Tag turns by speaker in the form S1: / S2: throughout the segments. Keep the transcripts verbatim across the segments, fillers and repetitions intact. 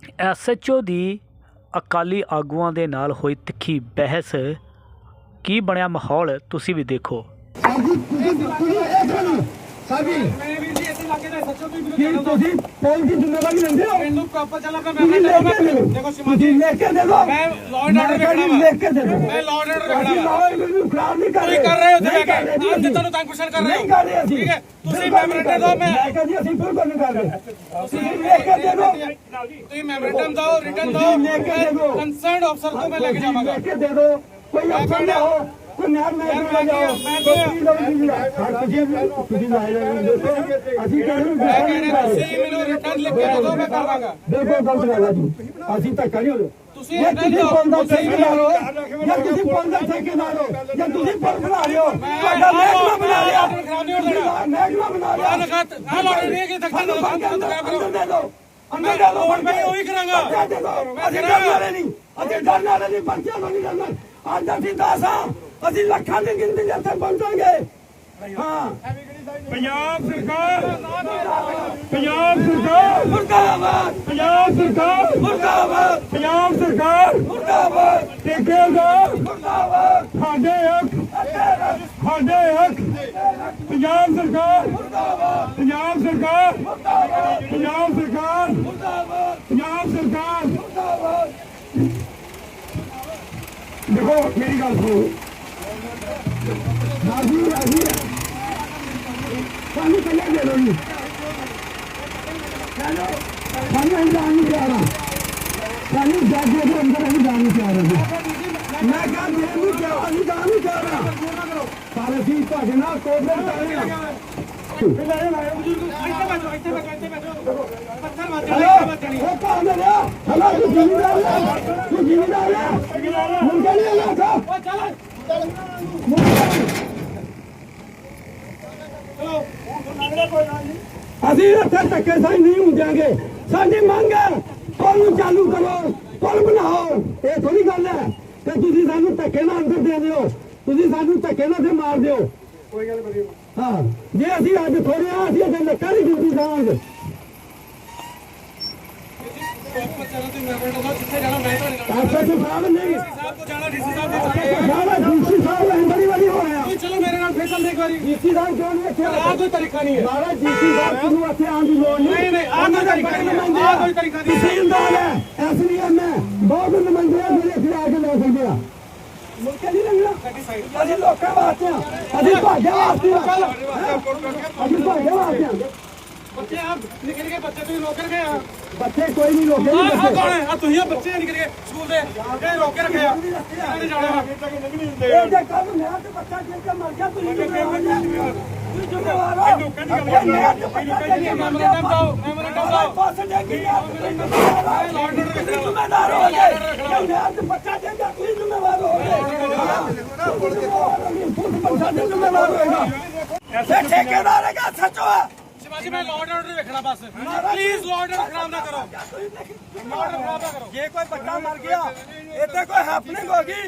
S1: S H O ਦੀ ਅਕਾਲੀ ਆਗੂਆਂ ਦੇ ਨਾਲ ਹੋਈ ਤਿੱਖੀ ਬਹਿਸ। ਕੀ ਬਣਿਆ ਮਾਹੌਲ ਤੁਸੀਂ ਵੀ ਦੇਖੋ।
S2: ਤੁਸੀਂ ਪੁਲਿਸ ਦੀ ਜ਼ਿੰਮੇਵਾਰੀ ਲੈਂਦੇ ਹੋ। ਮੈਨੂੰ ਪ੍ਰੋਪਰ ਚੱਲ ਆਪਣਾ ਮੈਂ ਦੇਖੋ ਸਿਮਾਜੀ ਲਿਖ ਕੇ ਦੇ ਦੋ। ਮੈਂ ਲਾਅ ਐਂਡ ਆਰਡਰ ਰੱਖਣਾ ਵਾ। ਲਿਖ ਕੇ ਦੇ ਦੋ। ਮੈਂ ਲਾਅ ਐਂਡ ਆਰਡਰ ਰੱਖਣਾ ਵਾ। ਮੈਨੂੰ ਖਰਾਬ ਨਹੀਂ ਕਰ ਰਹੇ। ਤੁਸੀਂ ਕਰ ਰਹੇ ਹੋ ਉੱਥੇ ਜਾ ਕੇ ਆਮ ਜਨਤਾ ਨੂੰ ਤੰਗ ਪਰੇਸ਼ਾਨ ਕਰ ਰਹੇ ਹੋ। ਨਹੀਂ ਕਰ ਰਹੇ ਅਸੀਂ। ਠੀਕ ਹੈ ਤੁਸੀਂ ਮੈਮੋਰੈਂਡਮ ਦਿਓ। ਮੈਂ ਮੈਂ ਕਹਿੰਦੀ ਅਸੀਂ ਬਿਲਕੁਲ ਨਹੀਂ ਕਰ ਰਹੇ। ਤੁਸੀਂ ਲਿਖ ਕੇ ਦੇ ਦੋ। ਤੁਸੀਂ ਮੈਮੋਰੈਂਡਮ ਦਿਓ, ਰਿਟਨ ਦਿਓ। ਲਿਖ ਕੇ ਦੇ ਦੋ। ਕੰਸਰਨਡ ਅਫਸਰ को मैं लेके जाऊंगा। लिख के दे दो। कोई अफसर ना हो, कोई नाम ना ले जाओ। ਤੁਸੀਂ ਲਾਏ ਜਾਂਦੇ ਅਸੀਂ ਕਹਿੰਦੇ ਮੈਂ ਕਹਿੰਦਾ ਤੁਸੀਂ ਮੈਨੂੰ ਰਿਟਰਨ ਲਿਖ ਕੇ ਦੇ ਦਿਓ ਮੈਂ ਕਰ ਦਾਂਗਾ। ਦੇਖੋ ਗਲਤ ਗੱਲ ਹੈ ਜੀ। ਅਸੀਂ ਧੱਕਾ ਨਹੀਂ ਹੋਣਾ। ਤੁਸੀਂ ਇਹ ਬੰਦਾ ਠੇਕੇਦਾਰ ਹੋ ਜਾਂ ਤੁਸੀਂ ਬੰਦਾ ਠੇਕੇਦਾਰ ਹੋ ਜਾਂ ਤੁਸੀਂ ਪਰ ਬਣਾ ਰਹੇ ਹੋ। ਤੁਹਾਡਾ ਮਹਿਕਮਾ ਬਣਾ ਲਿਆ। ਮਹਿਕਮਾ ਬਣਾ ਲਿਆ। ਨਾ ਲੋੜ ਨਹੀਂ ਕਿ ਧੱਕਾ ਨਾ ਕਰੋ। ਦੇ ਦਿਓ ਅੰਦਰ ਦੇ ਦਿਓ। ਮੈਂ ਉਹੀ ਕਰਾਂਗਾ। ਅਸੀਂ ਡਰਨ ਵਾਲੇ ਨਹੀਂ। ਅਸੀਂ ਡਰਨ ਵਾਲੇ ਨਹੀਂ। ਬੱਚਿਆਂ ਨੂੰ ਨਹੀਂ ਡਰਨਾ। ਅੱਜ ਅਸੀਂ ਦਸ ਹਾਂ। ਅਸੀਂ ਲੱਖਾਂ ਦੀ ਗਿਣਤੀ ਦੇ ਇੱਥੇ ਪਹੁੰਚਾਂਗੇ। ਹਾਂ ਪੰਜਾਬ ਸਰਕਾਰ ਪੰਜਾਬ ਸਰਕਾਰ ਮੁਰਦਾਬਾਦ। ਪੰਜਾਬ ਸਰਕਾਰ ਮੁਰਦਾਬਾਦ। ਪੰਜਾਬ ਸਰਕਾਰ ਮੁਰਦਾਬਾਦ। ਠੇਕੇਦਾਰ ਮੁਰਦਾਬਾਦ। ਸਾਡੇ ਹੱਕ ਸਾਡੇ ਹੱਕ। ਪੰਜਾਬ ਸਰਕਾਰ ਮੁਰਦਾਬਾਦ। ਪੰਜਾਬ ਸਰਕਾਰ ਮੁਰਦਾਬਾਦ। ਪੰਜਾਬ ਸਰਕਾਰ ਮੁਰਦਾਬਾਦ। ਪੰਜਾਬ ਸਰਕਾਰ ਮੁਰਦਾਬਾਦ। देखो मेरी गल सुनो राजी राजी सानू कहिए दे दो जी चलो सानू हम जान नहीं पा रहा सानू जाके के अंदर हम जान नहीं पा रहे मैं कहा मैं नहीं क्या हम जान नहीं पा रहा सारे सी भागे ना कोऑपरेट कर रहे हैं हेलो कौन है हेलो तू जिम्मेदार है तू जिम्मेदार है मुंडा नहीं लगा था चल ਅਸੀਂ ਇੱਥੇ ਧੱਕੇ ਸਾਈ ਨਹੀਂ ਹੁੰਦਾਂਗੇ। ਸਾਡੀ ਮੰਗ ਹੈ ਪੁਲ ਨੂੰ ਚਾਲੂ ਕਰੋ, ਪੁਲ ਬਣਾਓ। ਇਹ ਥੋੜੀ ਗੱਲ ਹੈ ਕਿ ਤੁਸੀਂ ਸਾਨੂੰ ਧੱਕੇ ਨਾਲ ਅੰਦਰ ਦੇ ਦਿਓ, ਤੁਸੀਂ ਸਾਨੂੰ ਧੱਕੇ ਨਾਲ ਤੇ ਮਾਰ ਦਿਓ। ਕੋਈ ਗੱਲ ਨਹੀਂ। ਹਾਂ ਜੇ ਅਸੀਂ ਅੱਜ ਥੋੜੇ ਆ ਅਸੀਂ ਅੱਗੇ ਲੱਕਾਂ ਦੀ ਡਿਊਟੀ ਜਾਵਾਂਗੇ। ਐਸਐਚਓ ਸਾਹਿਬ ਨਹੀਂ ਸਾਹਿਬ ਕੋ ਜਾਣਾ ਡੀਸੀ ਸਾਹਿਬ ਦੇ ਡੀਸੀ ਸਾਹਿਬ ਬੜੀ ਵਾਰੀ ਹੋ ਰਿਹਾ। ਚਲੋ ਮੇਰੇ ਨਾਲ ਫੇਰ ਚੱਲ ਇੱਕ ਵਾਰੀ ਡੀਸੀ ਸਾਹਿਬ ਕਿਉਂ ਨਹੀਂ ਇੱਥੇ ਆ? ਕੋਈ ਤਰੀਕਾ ਨਹੀਂ ਹੈ ਮਾਰਾ ਡੀਸੀ ਸਾਹਿਬ ਨੂੰ ਇੱਥੇ ਆਉਣ ਦੀ ਲੋੜ ਨਹੀਂ। ਨਹੀਂ ਆਹ ਕੋਈ ਤਰੀਕਾ ਨਹੀਂ। ਆਹ ਕੋਈ ਤਰੀਕਾ ਨਹੀਂ। ਤਹਿਸੀਲਦਾਰ ਹੈ, ਐਸਡੀਐਮ ਹੈ, ਬਹੁਤ ਨੁਮਾਇੰਦੇ ਆ ਜਿਹੜੇ ਇੱਥੇ ਆ ਕੇ ਲੈ ਸਕਦੇ ਆ। ਮੁਲਕ ਨਹੀਂ ਲੰਘਣਾ। ਅਸੀਂ ਲੋਕਾਂ ਵਾਸਤੇ ਆ। ਅਸੀਂ ਭਾਜਾ ਵਾਸਤੇ ਆ। ਅਸੀਂ ਭਾਜਾ ਵਾਸਤੇ ਆ। ਬੱਚੇ ਆ ਨਿਕਲ ਗਏ। ਬੱਚੇ ਤੁਸੀਂ ਰੋਕ ਕੇ ਆ। ਬੱਚੇ ਕੋਈ ਨਹੀਂ ਰੋਕੇ। ਆਹ ਕੌਣ ਹੈ? ਆ ਤੁਸੀਂ ਆ ਬੱਚੇ ਨਿਕਲ ਗਏ ਸਕੂਲ ਦੇ ਇਹ ਰੋਕ ਕੇ ਰੱਖੇ ਆ। ਨਹੀਂ ਜਾਣਾ ਇਹ ਜੇ ਕੰਮ ਨਾ ਤੇ ਬੱਚਾ ਜੇ ਕੇ ਮਰ ਗਿਆ ਤੁਸੀਂ ਜ਼ਿੰਮੇਵਾਰ ਹੋ। ਤੁਸੀਂ ਜ਼ਿੰਮੇਵਾਰ ਹੋ। ਲੋਕਾਂ ਦੀ ਗੱਲ ਹੈ। ਮੈਮੋਰੈਂਡਮ ਦਿਓ। ਮੈਮੋਰੈਂਡਮ ਦਿਓ। ਪਾਸ ਦੇ ਕੀ ਆ? ਤੁਸੀਂ ਜ਼ਿੰਮੇਵਾਰ ਹੋ ਗਏ। ਯਾਰ ਤੇ ਬੱਚਾ ਜੇ ਕੇ ਤੁਸੀਂ ਜ਼ਿੰਮੇਵਾਰ ਹੋ ਗਏ। ਬੱਚਾ ਜੇ ਜ਼ਿੰਮੇਵਾਰ ਹੋਏਗਾ। ਐਸੇ ਠੇਕੇਦਾਰ ਹੈਗਾ ਸੱਚੋ ਹੈ। शिवाजी मैं लॉ एंड ऑर्डर देखना बस प्लीज लॉ एंड ऑर्डर खराब ना करो। लॉ ऑर्डर खराब ना करो। ये कोई बच्चा मर गया इतने कोई हैपनिंग होगी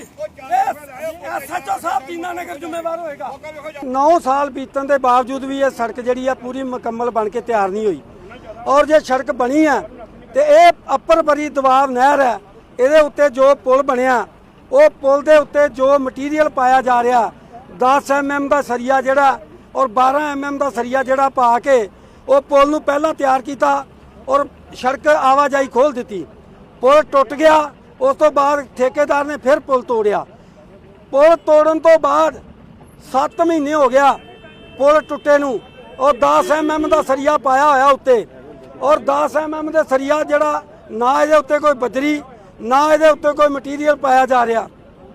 S2: एसएचओ साहब दीनानगर ਜ਼ਿੰਮੇਵਾਰ ਹੋਏਗਾ। नौ साल बीतਣ ਦੇ ਬਾਵਜੂਦ ਵੀ ਇਹ ਸੜਕ ਜਿਹੜੀ ਆ ਪੂਰੀ ਮੁਕੰਮਲ ਬਣ ਕੇ ਤਿਆਰ ਨਹੀਂ ਹੋਈ। ਔਰ ਜੇ ਸੜਕ ਬਣੀ ਆ ਤੇ ਇਹ ਅੱਪਰ ਬਰੀ ਦਬਾਅ ਨਹਿਰ ਹੈ। ਇਹਦੇ ਉੱਤੇ ਜੋ ਪੁਲ ਬਣਿਆ ਉਹ ਪੁਲ ਦੇ ਉੱਤੇ ਜੋ ਮਟੀਰੀਅਲ ਪਾਇਆ ਜਾ ਰਿਹਾ ਦਸ ਐਮ ਐਮ ਦਾ ਸਰੀਆ ਜਿਹੜਾ ਔਰ ਬਾਰਾਂ ਐਮ ਐਮ ਦਾ ਸਰੀਆ ਜਿਹੜਾ ਪਾ ਕੇ ਉਹ ਪੁਲ ਨੂੰ ਪਹਿਲਾਂ ਤਿਆਰ ਕੀਤਾ ਔਰ ਸੜਕ ਆਵਾਜਾਈ ਖੋਲ੍ਹ ਦਿੱਤੀ। ਪੁਲ ਟੁੱਟ ਗਿਆ। ਉਸ ਤੋਂ ਬਾਅਦ ਠੇਕੇਦਾਰ ਨੇ ਫਿਰ ਪੁਲ ਤੋੜਿਆ। ਪੁਲ ਤੋੜਨ ਤੋਂ ਬਾਅਦ ਸੱਤ ਮਹੀਨੇ ਹੋ ਗਿਆ ਪੁਲ ਟੁੱਟੇ ਨੂੰ। ਔਰ ਦਸ ਐਮ ਐਮ ਦਾ ਸਰੀਆ ਪਾਇਆ ਹੋਇਆ ਉੱਤੇ ਔਰ ਦਸ ਐਮ ਐਮ ਦੇ ਸਰੀਆ ਜਿਹੜਾ ਨਾ ਇਹਦੇ ਉੱਤੇ ਕੋਈ ਬਜਰੀ ਨਾ ਇਹਦੇ ਉੱਤੇ ਕੋਈ ਮਟੀਰੀਅਲ ਪਾਇਆ ਜਾ ਰਿਹਾ।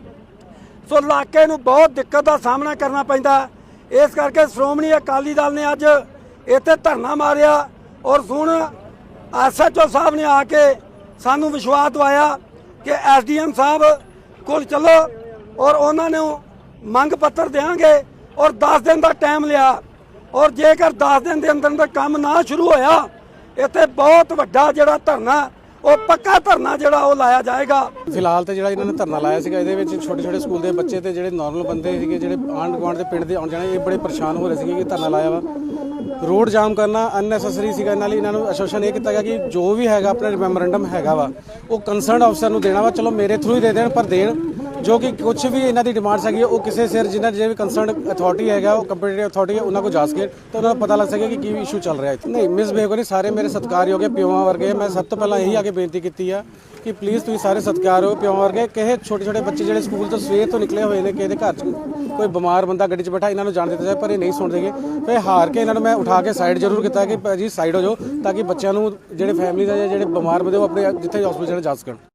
S2: ਸੋ ਇਲਾਕੇ ਨੂੰ ਬਹੁਤ ਦਿੱਕਤ ਦਾ ਸਾਹਮਣਾ ਕਰਨਾ ਪੈਂਦਾ। ਇਸ ਕਰਕੇ ਸ਼੍ਰੋਮਣੀ ਅਕਾਲੀ ਦਲ ਨੇ ਅੱਜ ਇੱਥੇ ਧਰਨਾ ਮਾਰਿਆ ਔਰ ਹੁਣ ਐਸਐਚਓ ਸਾਹਿਬ ਨੇ ਆ ਕੇ ਸਾਨੂੰ ਵਿਸ਼ਵਾਸ ਦਵਾਇਆ ਕਿ ਐਸਡੀਐਮ ਸਾਹਿਬ ਕੋਲ ਚਲੋ ਔਰ ਉਹਨਾਂ ਨੂੰ ਮੰਗ ਪੱਤਰ ਦੇਵਾਂਗੇ ਔਰ ਦਸ ਦਿਨ ਦਾ ਟਾਈਮ ਲਿਆ। ਔਰ ਜੇਕਰ ਦਸ ਦਿਨ ਦੇ ਅੰਦਰ ਅੰਦਰ ਕੰਮ ਨਾ ਸ਼ੁਰੂ ਹੋਇਆ ਇੱਥੇ ਬਹੁਤ ਵੱਡਾ ਜਿਹੜਾ ਧਰਨਾ ਉਹ ਪੱਕਾ ਧਰਨਾ ਜਿਹੜਾ ਉਹ ਲਾਇਆ ਜਾਏਗਾ।
S3: ਫਿਲਹਾਲ ਤੇ ਜਿਹੜਾ ਇਹਨਾਂ ਨੇ ਧਰਨਾ ਲਾਇਆ ਸੀਗਾ ਇਹਦੇ ਵਿੱਚ ਛੋਟੇ ਛੋਟੇ ਸਕੂਲ ਦੇ ਬੱਚੇ ਤੇ ਜਿਹੜੇ ਨਾਰਮਲ ਬੰਦੇ ਸੀਗੇ ਜਿਹੜੇ ਆਂਢ ਗੁਆਂਢ ਦੇ ਪਿੰਡ ਦੇ ਆਉਣ ਜਾਣੇ ਇਹ ਬੜੇ ਪਰੇਸ਼ਾਨ ਹੋ ਰਹੇ ਸੀਗੇ ਕਿ ਧਰਨਾ ਲਾਇਆ ਵਾ ਰੋਡ ਜਾਮ ਕਰਨਾ ਅਨਨੈਸੈਸਰੀ ਸੀਗਾ। ਨਾਲ ਇਹਨਾਂ ਨੂੰ ਐਸੋਸੀਏਸ਼ਨ ਇਹ ਕੀਤਾ ਗਿਆ ਕਿ ਜੋ ਵੀ ਹੈਗਾ ਆਪਣਾ ਮੈਮੋਰੈਂਡਮ ਹੈਗਾ ਵਾ ਉਹ ਕੰਸਰਨਡ ਅਫਸਰ ਨੂੰ ਦੇਣਾ ਵਾ। ਚਲੋ ਮੇਰੇ ਥਰੂ ਹੀ ਦੇ ਦੇਣ, ਪਰ ਦੇਣ ਜੋ ਕਿ ਕੁਝ ਵੀ ਇਹਨਾਂ ਦੀ ਡਿਮਾਂਡਸ ਹੈਗੀ ਉਹ ਕਿਸੇ ਸਿਰ ਜਿਨ੍ਹਾਂ ਜਿਹੜੇ ਵੀ ਕੰਸਰਨਡ ਅਥਾਰਟੀ ਹੈਗਾ ਉਹ ਕੰਪੀਟੀਟਿਵ ਅਥਾਰਟੀ ਹੈ ਉਹਨਾਂ ਕੋਲ ਜਾ ਸਕੇ ਤਾਂ ਉਹਨਾਂ ਨੂੰ ਪਤਾ ਲੱਗ ਸਕੇ ਕਿ ਕੀ ਇਸ਼ੂ ਚੱਲ ਰਿਹਾ ਹੈ। ਨਹੀਂ ਮਿਸਬਿਹੇਵ ਨਹੀਂ, ਸਾਰੇ ਮੇਰੇ ਸਤਿਕਾਰਯੋਗ ਹੈ, ਪਿਓਾਂ ਵਰਗੇ। ਮੈਂ ਸਭ ਤੋਂ ਪਹਿਲਾਂ ਇਹੀ ਆ ਕੇ ਬੇਨਤੀ ਕੀਤੀ ਆ ਕਿ ਪਲੀਜ਼ ਤੁਸੀਂ ਸਾਰੇ ਸਤਿਕਾਰ ਹੋ, ਪਿਓਾਂ ਵਰਗੇ। ਕਿਸੇ ਛੋਟੇ ਛੋਟੇ ਬੱਚੇ ਜਿਹੜੇ ਸਕੂਲ ਤੋਂ ਸਵੇਰ ਤੋਂ ਨਿਕਲੇ ਹੋਏ ਨੇ, ਕਿਸੇ ਦੇ ਘਰ 'ਚ ਕੋਈ ਬਿਮਾਰ ਬੰਦਾ ਗੱਡੀ 'ਚ ਬੈਠਾ, ਇਹਨਾਂ ਨੂੰ ਜਾਣ ਦਿੱਤਾ ਜਾਏ, ਪਰ ਇਹ ਨਹੀਂ ਸੁਣਦੇਗੇ। ਫਿਰ ਹਾਰ ਕੇ ਇਹਨਾਂ ਨੂੰ ਮੈਂ ਉਠਾ ਕੇ ਸਾਈਡ ਜ਼ਰੂਰ ਕੀਤਾ ਕਿ ਭਾਜੀ ਸਾਈਡ ਹੋ ਜਾਓ ਤਾਂ ਕਿ ਬੱਚਿਆਂ ਨੂੰ ਜਿਹੜੇ ਫੈਮਿਲੀ ਦਾ ਜਿਹੜੇ ਬਿਮਾਰ ਬੰਦੇ ਉਹ ਆਪਣੇ ਜਿੱਥੇ ਹਸਪੀਟਲ ਜਾ ਸਕਣ।